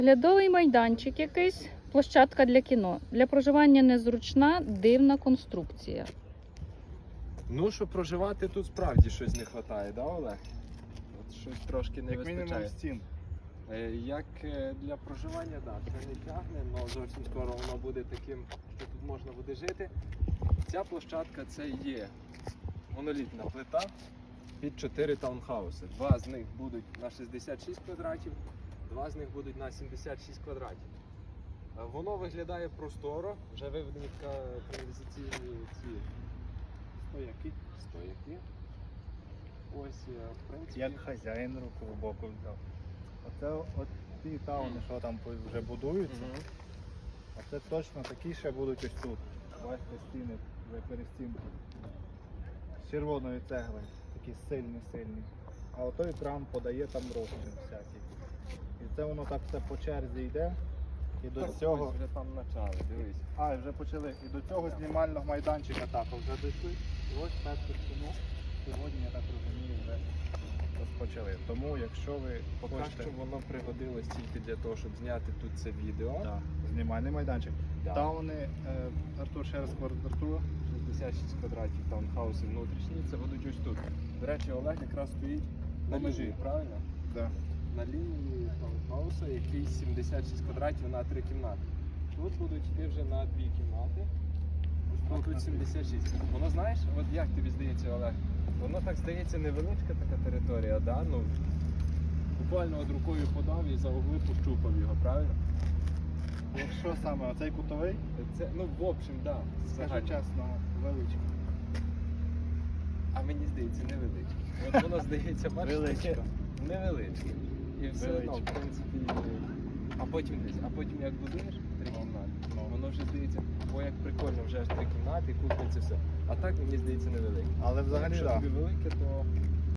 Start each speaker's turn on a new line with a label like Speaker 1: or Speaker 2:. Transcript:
Speaker 1: Оглядовий майданчик якийсь, площадка для кіно. Для проживання незручна, дивна конструкція.
Speaker 2: Ну, щоб проживати, тут справді щось не вистачає, да, Олег? От щось трошки не
Speaker 3: Як мінімум
Speaker 2: вистачає.
Speaker 3: стін.
Speaker 2: Як для проживання, так, це не тягне, але зовсім скоро воно буде таким, що тут можна буде жити. Ця площадка це є монолітна плита під 4 таунхауси. Два з них будуть на 66 квадратів, два з них будуть на 76 квадратів. Воно виглядає просторо, вже виведені каналізаційні ці стояки. Ось, в принципі,
Speaker 3: Як хазяїн руку в боку взяв. Оце от ті тауни, що там вже будуються,
Speaker 2: Мгм.
Speaker 3: а це точно такі ще будуть ось тут. Бачите, стіни вже перестінки. З червоної цегли, такі сильні. А отой кран подає там розчин всякий. І це воно так все по черзі йде. І до
Speaker 2: Так,
Speaker 3: цього.
Speaker 2: ось вже там почали, дивись.
Speaker 3: А, вже почали. І до цього знімального майданчика також вже дійшли. І ось першу стіну сьогодні, я так розумію, вже розпочали. Тому якщо ви
Speaker 2: Поки
Speaker 3: хочете
Speaker 2: що воно пригодилось тільки для того, щоб зняти тут це відео.
Speaker 3: да, знімальний майданчик.
Speaker 2: Да.
Speaker 3: Тауни, Артур, ще раз квадратура.
Speaker 2: 66 квадратів таунхауси внутрішні, це будуть ось тут. До речі, Олег якраз стоїть на
Speaker 3: На межі.
Speaker 2: межі, правильно?
Speaker 3: Да.
Speaker 2: На лінії таунхауса, який 76 квадратів на 3 кімнати. Тут будуть йти вже на 2 кімнати.
Speaker 3: Так,
Speaker 2: Тут
Speaker 3: на
Speaker 2: 76. Воно, знаєш, от як тобі здається, Олег? Воно так здається невеличка така територія, да? Ну, буквально от рукою подав і за угли пощупав його, правильно?
Speaker 3: Якщо саме оцей кутовий,
Speaker 2: Це, ну, в общем, да,
Speaker 3: скажу
Speaker 2: загально.
Speaker 3: чесно, величкий.
Speaker 2: А мені здається, невеличке. От воно здається, бачиш, таке
Speaker 3: Величко.
Speaker 2: невеличке. І все одно, в
Speaker 3: Величко.
Speaker 2: принципі. А потім десь, як будуєш 3 кімнати,
Speaker 3: Ну.
Speaker 2: воно вже здається, о, як прикольно, вже аж 3 кімнати, кухня, це все. А так мені здається невелике.
Speaker 3: Але взагалі
Speaker 2: Якщо
Speaker 3: так.
Speaker 2: тобі велике, то